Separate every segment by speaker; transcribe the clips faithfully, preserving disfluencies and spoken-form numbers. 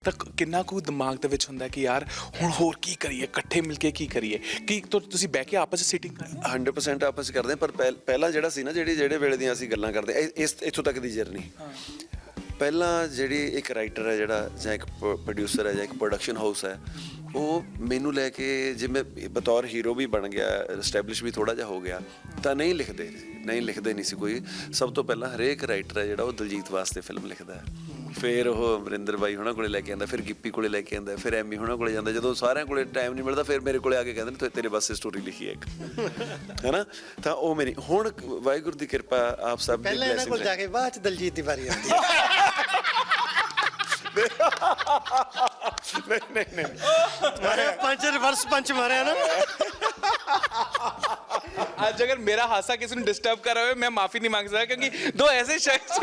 Speaker 1: ਤਾਂ ਕਿੰਨਾ ਕੁ ਦਿਮਾਗ ਦੇ ਵਿੱਚ ਹੁੰਦਾ ਕਿ ਯਾਰ ਹੁਣ ਹੋਰ ਕੀ ਕਰੀਏ, ਇਕੱਠੇ ਮਿਲ ਕੇ ਕੀ ਕਰੀਏ? ਕੀ ਤੁਸੀਂ ਬਹਿ ਕੇ ਆਪਸ ਵਿੱਚ ਸੀਟਿੰਗ ਕਰਦੇ?
Speaker 2: ਹੰਡਰਡ ਪਰਸੈਂਟ ਆਪਸ 'ਚ ਕਰਦੇ, ਪਰ ਪਹਿ- ਪਹਿਲਾਂ ਜਿਹੜਾ ਸੀ ਨਾ, ਜਿਹੜੀ ਜਿਹੜੇ ਵੇਲੇ ਦੀਆਂ ਅਸੀਂ ਗੱਲਾਂ ਕਰਦੇ ਇਹ- ਇਸ ਇੱਥੋਂ ਤੱਕ ਦੀ ਜਰਨੀ, ਪਹਿਲਾਂ ਜਿਹੜੀ ਇੱਕ ਰਾਈਟਰ ਹੈ ਜਿਹੜਾ, ਜਾਂ ਇੱਕ ਪ੍ਰੋਡਿਊਸਰ ਹੈ, ਜਾਂ ਇੱਕ ਪ੍ਰੋਡਕਸ਼ਨ ਹਾਊਸ ਹੈ, ਉਹ ਮੈਨੂੰ ਲੈ ਕੇ ਜਿਵੇਂ ਬਤੌਰ ਹੀਰੋ ਵੀ ਬਣ ਗਿਆ, ਐਸਟੈਬਲਿਸ਼ ਵੀ ਥੋੜ੍ਹਾ ਜਿਹਾ ਹੋ ਗਿਆ, ਤਾਂ ਨਹੀਂ ਲਿਖਦੇ ਨਹੀਂ ਲਿਖਦੇ ਨਹੀਂ ਸੀ ਕੋਈ। ਸਭ ਤੋਂ ਪਹਿਲਾਂ ਹਰੇਕ ਰਾਈਟਰ ਹੈ ਜਿਹੜਾ ਉਹ ਦਿਲਜੀਤ ਵਾਸਤੇ ਫਿਲਮ ਲਿਖਦਾ ਹੈ, ਫਿਰ ਉਹ ਅਮਰਿੰਦਰ ਬਾਈ ਹੋਣਾ ਕੋਲੇ ਲੈ ਕੇ ਆਉਂਦਾ, ਫਿਰ ਗਿੱਪੀ ਕੋਲੇ ਲੈ ਕੇ ਆਉਂਦਾ, ਫਿਰ ਐਮੀ ਹੋਣਾ ਕੋਲੇ ਜਾਂਦਾ। ਜਦੋਂ ਸਾਰਿਆਂ ਕੋਲੇ ਟਾਈਮ ਨਹੀਂ ਮਿਲਦਾ, ਫਿਰ ਮੇਰੇ ਕੋਲੇ ਆ ਕੇ ਕਹਿੰਦੇ ਨੇ ਤੇਰੇ ਵਾਸਤੇ ਸਟੋਰੀ ਲਿਖੀ ਹੈ ਇੱਕ, ਹੈ ਨਾ। ਤਾਂ ਉਹ ਮੇਰੀ ਹੁਣ ਵਾਹਿਗੁਰੂ ਦੀ ਕਿਰਪਾ, ਆਪ ਸਭ ਦੀ
Speaker 3: ਪਹਿਲਾਂ ਇਹਨਾਂ ਕੋਲ ਜਾ ਕੇ ਬਾਅਦ ਚ ਦਲਜੀਤ ਦੀ ਵਾਰੀ ਆਉਂਦੀ ਹੈ।
Speaker 2: ਨਹੀਂ ਨਹੀਂ ਨਹੀਂ
Speaker 3: ਮਾਰਿਆ ਪੰਜ, ਰਿਵਰਸ ਪੰਚ ਮਾਰਿਆ ਨਾ।
Speaker 1: ਅੱਜ ਅਗਰ ਮੇਰਾ ਹਾਸਾ ਕਿਸੇ ਨੂੰ ਡਿਸਟਰਬ ਕਰ ਰਿਹਾ ਹੋਵੇ, ਮੈਂ ਮਾਫੀ ਨਹੀਂ ਮੰਗ ਸਕਦਾ, ਕਿਉਂਕਿ ਦੋ ਐਸੇ ਸ਼ਖਸ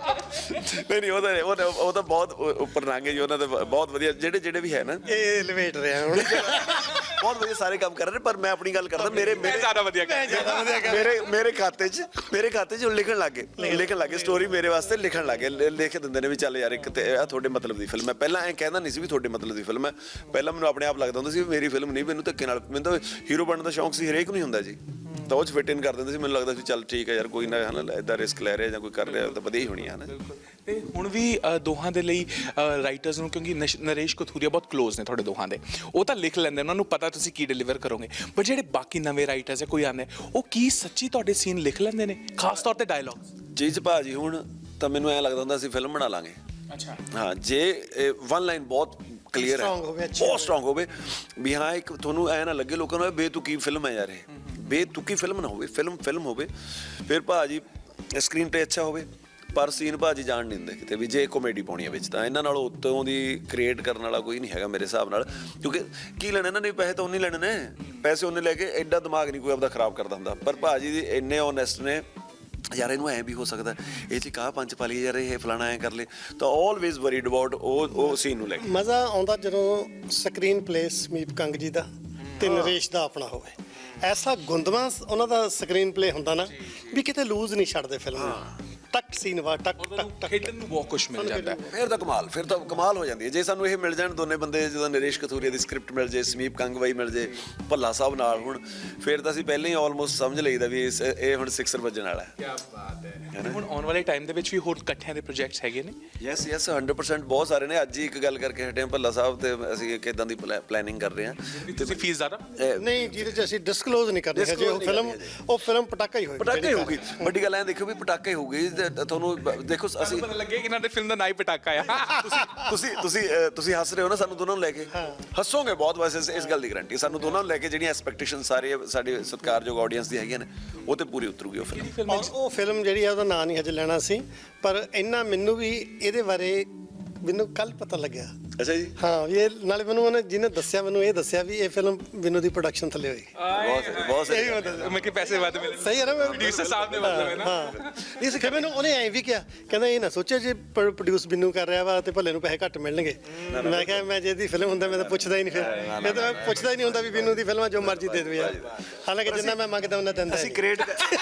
Speaker 2: ਨਹੀਂ ਨਹੀਂ ਉਹ ਤਾਂ ਉਹ ਤਾਂ ਉਹ ਤਾਂ ਬਹੁਤ ਉੱਪਰ ਲੰਘ ਗਏ ਜੀ, ਉਹਨਾਂ ਦੇ ਬਹੁਤ ਵਧੀਆ ਜਿਹੜੇ ਜਿਹੜੇ ਵੀ ਹੈ ਨਾ,
Speaker 3: ਇਹ ਲਿਵੇਟ ਰਿਹਾ ਹੁਣ,
Speaker 2: ਬਹੁਤ ਵਧੀਆ ਸਾਰੇ ਕੰਮ ਕਰ ਰਹੇ ਨੇ। ਪਰ ਮੈਂ ਆਪਣੀ ਗੱਲ ਕਰਦਾ, ਮੇਰੇ ਮੇਰੇ
Speaker 1: ਜ਼ਿਆਦਾ ਵਧੀਆ
Speaker 2: ਮੇਰੇ ਮੇਰੇ ਖਾਤੇ 'ਚ ਮੇਰੇ ਖਾਤੇ 'ਚ ਲਿਖਣ ਲੱਗ ਗਏ ਲਿਖਣ ਲੱਗ ਗਏ ਸਟੋਰੀ ਮੇਰੇ ਵਾਸਤੇ ਲਿਖਣ ਲੱਗ ਗਏ, ਲਿਖ ਦਿੰਦੇ ਨੇ ਵੀ ਚੱਲ ਯਾਰ ਇੱਕ ਤੇ ਆ ਤੁਹਾਡੇ ਮਤਲਬ ਦੀ ਫਿਲਮ ਹੈ। ਪਹਿਲਾਂ ਐਂ ਕਹਿੰਦਾ ਨਹੀਂ ਸੀ ਵੀ ਤੁਹਾਡੇ ਮਤਲਬ ਦੀ ਫਿਲਮ ਹੈ, ਪਹਿਲਾਂ ਮੈਨੂੰ ਆਪਣੇ ਆਪ ਲੱਗਦਾ ਹੁੰਦਾ ਸੀ ਵੀ ਮੇਰੀ ਫਿਲਮ ਨਹੀਂ, ਮੈਨੂੰ ਧੱਕੇ ਨਾਲ, ਮੈਨੂੰ ਤਾਂ ਹੀਰੋ ਬਣਨ ਦਾ ਸ਼ੌਂਕ ਸੀ, ਹਰੇਕ ਨੂੰ ਹੀ ਹੁੰਦਾ ਜੀ, ਤਾਂ ਉਹ 'ਚ ਫਿਟ ਇਨ ਕਰ ਦਿੰਦੇ ਸੀ। ਮੈਨੂੰ ਲੱਗਦਾ ਸੀ ਚੱਲ ਠੀਕ ਹੈ ਯਾਰ, ਕੋਈ ਨਾ ਹੈ ਨਾ ਇੱਦਾਂ ਰਿਸਕ ਲੈ ਰਿਹਾ ਜਾਂ ਕੋਈ ਕਰ ਰਿਹਾ ਤਾਂ ਵਧੀਆ ਹੀ ਹੋਣੀ ਹੈ ਨਾ।
Speaker 1: ਤੇ ਹੁਣ ਵੀ ਦੋਹਾਂ ਦੇ ਲਈ ਰਾਈਟਰਸ ਨੂੰ, ਕਿਉਂਕਿ ਨਰੇਸ਼ ਕਥੂਰੀਆ ਬਹੁਤ ਕਲੋਜ਼ ਨੇ ਤੁਹਾਡੇ ਦੋਹਾਂ ਦੇ, ਉਹ ਤਾਂ ਲਿਖ ਲੈਂਦੇ, ਉਹਨਾਂ ਨੂੰ ਪਤਾ ਤੁਸੀਂ ਕੀ ਡਿਲੀਵਰ ਕਰੋਗੇ। ਪਰ ਜਿਹੜੇ ਬਾਕੀ ਨਵੇਂ ਰਾਈਟਰਸ ਹੈ, ਕੋਈ ਆਉਂਦੇ, ਉਹ ਕੀ ਸੱਚੀ ਤੁਹਾਡੇ ਸੀਨ ਲਿਖ ਲੈਂਦੇ ਨੇ, ਖਾਸ ਤੌਰ ਤੇ ਡਾਇਲੌਗਸ?
Speaker 2: ਜੀ ਜੀ ਭਾਜੀ, ਹੁਣ ਤਾਂ ਮੈਨੂੰ ਐਂ ਲੱਗਦਾ ਹੁੰਦਾ ਅਸੀਂ ਫਿਲਮ ਬਣਾ ਲਾਂਗੇ।
Speaker 1: ਅੱਛਾ,
Speaker 2: ਹਾਂ, ਜੇ ਵਨ ਲਾਈਨ ਬਹੁਤ ਕਲੀਅਰ ਹੈ, ਬਹੁਤ ਸਟਰੋਂਗ ਹੋਵੇ ਵੀ ਹਾਂ, ਇੱਕ ਤੁਹਾਨੂੰ ਐਂ ਨਾ ਲੱਗੇ ਲੋਕਾਂ ਨੂੰ ਬੇਤੁਕੀ ਫਿਲਮ ਹੈ ਯਾਰ, ਇਹ ਬੇਤੁਕੀ ਫਿਲਮ ਨਾ ਹੋਵੇ, ਫਿਲਮ ਫਿਲਮ ਹੋਵੇ। ਫਿਰ ਭਾਜੀ ਸਕਰੀਨ ਤੇ ਅੱਛਾ ਹੋਵੇ, ਪਰ ਸੀਨ ਭਾਜੀ ਜਾਣ ਨਹੀਂ ਦਿੰਦੇ ਕਿਤੇ ਵੀ, ਜੇ ਕਾਮੇਡੀ ਪਾਉਣੀ ਹੈ ਵਿੱਚ ਤਾਂ ਇਹਨਾਂ ਨਾਲੋਂ ਉੱਤੋਂ ਦੀ ਕ੍ਰੀਏਟ ਕਰਨ ਵਾਲਾ ਕੋਈ ਨਹੀਂ ਹੈਗਾ ਮੇਰੇ ਹਿਸਾਬ ਨਾਲ। ਕਿਉਂਕਿ ਕੀ ਲੈਣਾ ਇਹਨਾਂ ਨੇ, ਪੈਸੇ ਤਾਂ ਉਹਨੇ ਲੈਣੇ ਨੇ, ਪੈਸੇ ਉਹਨੇ ਲੈ ਕੇ ਐਡਾ ਦਿਮਾਗ ਨਹੀਂ ਕੋਈ ਆਪਦਾ ਖਰਾਬ ਕਰਦਾ ਹੁੰਦਾ। ਪਰ ਭਾਜੀ ਦੀ ਇੰਨੇ ਓਨੈਸਟ ਨੇ, ਯਾਰ ਇਹਨੂੰ ਐਂ ਵੀ ਹੋ ਸਕਦਾ, ਇਹ 'ਚ ਕਾਹ ਪੰਜ ਪਾ ਲਈ ਯਾਰ, ਇਹ ਫਲਾਣਾ ਐਂ ਕਰ ਲੈ, ਤਾਂ ਆਲਵੇਜ਼ ਵਰੀਡ ਅਬਾਊਟ ਉਹ ਉਹ ਸੀਨ ਨੂੰ ਲੈ ਕੇ।
Speaker 3: ਮਜ਼ਾ ਆਉਂਦਾ ਜਦੋਂ ਸਕਰੀਨ ਪਲੇ ਸਮੀਪ ਕੰਗ ਜੀ ਦਾ ਤੇ ਨਰੇਸ਼ ਦਾ ਆਪਣਾ ਹੋਵੇ, ਐਸਾ ਗੁੰਦਵਾ ਉਹਨਾਂ ਦਾ ਸਕਰੀਨ ਪਲੇ ਹੁੰਦਾ ਨਾ ਵੀ ਕਿਤੇ ਲੂਜ਼ ਨਹੀਂ ਛੱਡਦੇ ਫਿਲਮ ਨੂੰ, ਟੱਕ ਸੀਨ ਵਾ ਟੱਕ ਟੱਕ ਟੱਕ,
Speaker 1: ਖੇਡਣ ਨੂੰ ਬਹੁਤ ਕੁਛ ਮਿਲ ਜਾਂਦਾ।
Speaker 2: ਫਿਰ ਤਾਂ ਕਮਾਲ ਫਿਰ ਤਾਂ ਕਮਾਲ ਹੋ ਜਾਂਦੀ ਹੈ ਜੇ ਸਾਨੂੰ ਇਹ ਮਿਲ ਜਾਣ ਦੋਨੇ ਬੰਦੇ, ਜਦੋਂ ਨਰੇਸ਼ ਕਥੂਰੀਆ ਦੀ ਸਕ੍ਰਿਪਟ ਮਿਲ ਜੇ, ਸਮੀਪ ਕੰਗਵਾਈ ਮਿਲ ਜੇ, ਭੱਲਾ ਸਾਹਿਬ ਨਾਲ, ਹੁਣ ਫਿਰ ਤਾਂ ਅਸੀਂ ਪਹਿਲਾਂ ਹੀ ਆਲਮੋਸਟ ਸਮਝ ਲਈਦਾ ਵੀ ਇਸ ਇਹ ਹੁਣ ਸਿਕਸਰ ਵੱਜਣ ਵਾਲਾ ਹੈ।
Speaker 1: ਕੀ ਬਾਤ ਹੈ। ਹੁਣ ਆਉਣ ਵਾਲੇ ਟਾਈਮ ਦੇ ਵਿੱਚ ਵੀ ਹੋਰ ਇਕੱਠਿਆਂ ਦੇ ਪ੍ਰੋਜੈਕਟਸ ਹੈਗੇ ਨੇ?
Speaker 2: ਯੈਸ ਯੈਸ ਹੰਡਰਡ ਪਰਸੈਂਟ ਬਹੁਤ ਸਾਰੇ ਨੇ। ਅੱਜ ਹੀ ਇੱਕ ਗੱਲ ਕਰਕੇ ਹਟੇ ਹਾਂ ਭੱਲਾ ਸਾਹਿਬ, ਤੇ ਅਸੀਂ ਇੱਕ ਇੱਦਾਂ ਦੀ ਪਲੈਨਿੰਗ ਕਰ ਰਹੇ ਹਾਂ।
Speaker 1: ਤੁਸੀਂ ਫੀਸ ਜ਼ਿਆਦਾ
Speaker 3: ਨਹੀਂ, ਜਿਹਦੇ 'ਚ ਅਸੀਂ ਡਿਸਕਲੋਜ਼ ਨਹੀਂ ਕਰਦੇ ਹਜੇ, ਉਹ ਫਿਲਮ ਉਹ ਫਿਲਮ ਪਟਾਕਾ ਹੀ ਹੋਏਗੀ,
Speaker 2: ਪਟਾਕਾ ਹੀ ਹੋਊਗੀ। ਵੱਡੀ ਗੱਲ ਐਂ ਦੇਖੋ ਵੀ ਪਟਾਕਾ ਹੀ ਹੋਊਗੀ, ਤੁਹਾਨੂੰ ਦੇਖੋ ਅਸੀਂ
Speaker 1: ਪਤਾ ਲੱਗੇ ਕਿ ਇਹਨਾਂ ਦੇ ਫਿਲਮ ਦਾ ਨਾਂ ਹੀ ਪਟਾਕਾ ਆ।
Speaker 2: ਤੁਸੀਂ ਤੁਸੀਂ ਅਹ, ਤੁਸੀਂ ਹੱਸ ਰਹੇ ਹੋ ਨਾ, ਸਾਨੂੰ ਦੋਨਾਂ ਨੂੰ ਲੈ ਕੇ ਹੱਸੋਗੇ ਬਹੁਤ। ਵੈਸੇ ਇਸ ਗੱਲ ਦੀ ਗਰੰਟੀ ਸਾਨੂੰ ਦੋਨਾਂ ਨੂੰ ਲੈ ਕੇ ਜਿਹੜੀਆਂ ਐਕਸਪੈਕਟੇਸ਼ਨ ਸਾਰੇ ਸਾਡੇ ਸਤਿਕਾਰਯੋਗ ਆਡੀਅנס ਦੀ ਹੈਗੀਆਂ ਨੇ, ਉਹ ਤੇ ਪੂਰੀ ਉਤਰੂਗੀ ਉਹ ਫਿਲਮ।
Speaker 3: ਔਰ ਉਹ ਫਿਲਮ ਜਿਹੜੀ ਆ ਉਹਦਾ ਨਾਂ ਨਹੀਂ ਹਜੇ ਲੈਣਾ ਸੀ, ਪਰ ਇੰਨਾ ਮੈਨੂੰ ਵੀ ਇਹਦੇ ਬਾਰੇ ਮੈਨੂੰ ਕੱਲ ਪਤਾ ਲੱਗਿਆ।
Speaker 2: ਅੱਛਾ ਜੀ।
Speaker 3: ਹਾਂ, ਵੀ ਇਹ ਨਾਲੇ ਮੈਨੂੰ ਉਹਨੇ ਜਿਹਨੇ ਦੱਸਿਆ, ਮੈਨੂੰ ਇਹ ਦੱਸਿਆ ਵੀ ਇਹ ਫਿਲਮ ਵਿਨੂ ਦੀ ਪ੍ਰੋਡਕਸ਼ਨ ਥੱਲੇ ਹੋਈ।
Speaker 2: ਬਹੁਤ ਬਹੁਤ ਸਹੀ।
Speaker 1: ਮੈਂ ਕਿ ਪੈਸੇ ਵੱਧ ਮਿਲੇ।
Speaker 3: ਸਹੀ ਹੈ ਨਾ,
Speaker 1: ਪ੍ਰੋਡਿਊਸਰ ਸਾਹਿਬ ਨੇ ਮਤਲਬ ਹੈ ਨਾ।
Speaker 3: ਹਾਂ, ਇਸ ਫਿਰ ਮੈਨੂੰ ਉਹਨੇ ਐਂ ਵੀ ਕਿਹਾ, ਕਹਿੰਦਾ ਇਹ ਨਾ ਸੋਚਿਆ ਜੇ ਪ੍ਰੋਡਿਊਸ ਬਿੰਨੂ ਕਰ ਰਿਹਾ ਵਾ ਤੇ ਭੱਲੇ ਨੂੰ ਪੈਸੇ ਘੱਟ ਮਿਲਣਗੇ। ਮੈਂ ਕਿਹਾ ਮੈਂ ਜੇ ਇਹਦੀ ਫਿਲਮ ਹੁੰਦਾ ਮੈਂ ਤਾਂ ਪੁੱਛਦਾ ਹੀ ਨਹੀਂ, ਫਿਰ ਇਹ ਤਾਂ ਮੈਂ ਪੁੱਛਦਾ ਹੀ ਨਹੀਂ ਹੁੰਦਾ ਵੀ ਬਿੰਨੂ ਦੀ ਫਿਲਮ ਜੋ ਮਰਜ਼ੀ ਦੇ ਦੇਵੇ ਯਾਰ। ਹਾਲਾਂਕਿ ਜਿੰਨਾ ਮੈਂ ਮੰਗਦਾ ਉਹਨਾਂ ਦਿੰਦਾ।
Speaker 2: ਅਸੀਂ ਕ੍ਰੀਏਟ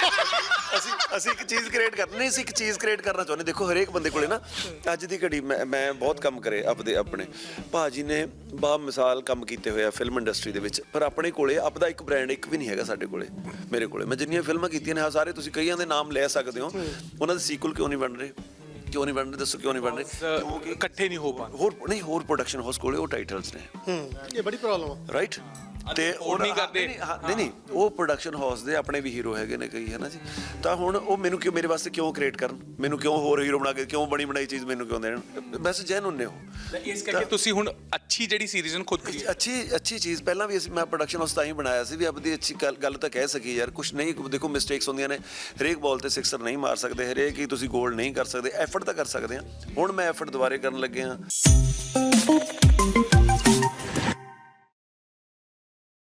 Speaker 2: ਅਸੀਂ ਅਸੀਂ ਇੱਕ ਚੀਜ਼ ਕ੍ਰੀਏਟ ਕਰਨੀ ਨਹੀਂ, ਅਸੀਂ ਇੱਕ ਚੀਜ਼ ਕ੍ਰੀਏਟ ਕਰਨਾ ਚਾਹੁੰਦੇ। ਦੇਖੋ ਹਰੇਕ ਬੰਦੇ ਕੋਲੇ ਨਾ ਅੱਜ ਦੀ ਘੜੀ, ਮੈਂ ਮੈਂ ਬਹੁਤ ਕੰਮ ਕਰੇ ਆਪਦੇ ਆਪਣੇ, ਭਾਜੀ ਨੇ ਬਾ ਮਿਸਾਲ ਕੰਮ ਕੀਤੇ ਹੋਏ ਆ ਫਿਲਮ ਇੰਡਸਟਰੀ ਦੇ ਵਿੱਚ, ਪਰ ਆਪਣੇ ਕੋਲੇ ਆਪਦਾ ਇੱਕ ਬ੍ਰਾਂਡ ਇੱਕ ਵੀ ਨਹੀਂ ਹੈਗਾ ਸਾਡੇ ਕੋਲੇ। ਮੇਰੇ ਕੋਲੇ ਮੈਂ ਜਿੰਨੀਆਂ ਫਿਲਮਾਂ ਕੀਤੀਆਂ ਨੇ, ਹਾਂ ਸਾਰੇ ਤੁਸੀਂ ਕਈਆਂ ਦੇ ਨਾਮ ਲੈ ਸਕਦੇ ਹੋ, ਉਹਨਾਂ ਦੇ ਸੀਕੁਅਲ ਕਿਉਂ ਨਹੀਂ ਬਣ ਰਹੇ, ਕਿਉਂ ਨਹੀਂ ਬਣ ਰਹੇ ਦੱਸੋ, ਕਿਉਂ ਨਹੀਂ ਬਣ ਰਹੇ?
Speaker 1: ਕਿਉਂਕਿ ਇਕੱਠੇ ਨਹੀਂ ਹੋ ਪਾਉਂਦੇ।
Speaker 2: ਹੋਰ ਨਹੀਂ, ਹੋਰ ਪ੍ਰੋਡਕਸ਼ਨ ਹਾਊਸ ਕੋਲੇ ਉਹ ਟਾਈਟਲਸ ਨੇ।
Speaker 3: ਹੂੰ, ਇਹ ਬੜੀ ਪ੍ਰੋਬਲਮ ਆ,
Speaker 2: ਰਾਈਟ। ਤੇ
Speaker 1: ਉਹ ਨਹੀਂ ਕਰਦੇ।
Speaker 2: ਨਹੀਂ ਨਹੀਂ, ਉਹ ਪ੍ਰੋਡਕਸ਼ਨ ਹਾਊਸ ਦੇ ਆਪਣੇ ਵੀ ਹੀਰੋ ਹੈਗੇ ਨੇ ਕਈ, ਹੈ ਨਾ ਜੀ। ਤਾਂ ਹੁਣ ਉਹ ਮੈਨੂੰ ਕਿਉਂ, ਮੇਰੇ ਵਾਸਤੇ ਕਿਉਂ ਕ੍ਰੀਏਟ ਕਰਨ, ਮੈਨੂੰ ਕਿਉਂ ਹੋਰ ਹੀਰੋ ਬਣਾ ਕੇ, ਕਿਉਂ ਬਣੀ ਬਣਾਈ ਚੀਜ਼ ਮੈਨੂੰ ਕਿਉਂ ਦੇਣ? ਬਸ ਜੈਨ ਹੁੰਨੇ ਹੋ।
Speaker 1: ਇਸ ਕਰਕੇ ਤੁਸੀਂ ਹੁਣ ਅੱਛੀ ਜਿਹੜੀ ਸੀਰੀਜ਼ ਨੂੰ ਖੁਦ
Speaker 2: ਅੱਛੀ ਅੱਛੀ ਚੀਜ਼ ਪਹਿਲਾਂ ਵੀ ਅਸੀਂ, ਮੈਂ ਪ੍ਰੋਡਕਸ਼ਨ ਹਾਊਸ ਤਾਂ ਹੀ ਬਣਾਇਆ ਸੀ ਵੀ ਆਪਦੀ ਅੱਛੀ ਗੱਲ ਤਾਂ ਕਹਿ ਸਕੀ ਯਾਰ। ਕੁਛ ਨਹੀਂ, ਦੇਖੋ ਮਿਸਟੇਕਸ ਹੁੰਦੀਆਂ ਨੇ, ਹਰੇਕ ਬਾਲ ਤੇ ਸਿਕਸਰ ਨਹੀਂ ਮਾਰ ਸਕਦੇ, ਹਰੇਕ ਹੀ ਤੁਸੀਂ ਗੋਲ ਨਹੀਂ ਕਰ ਸਕਦੇ, ਐਫਰਟ ਤਾਂ ਕਰ ਸਕਦੇ ਹਾਂ। ਹੁਣ ਮੈਂ ਐਫਰਟ ਦੁਬਾਰੇ ਕਰਨ ਲੱਗੇ ਹਾਂ।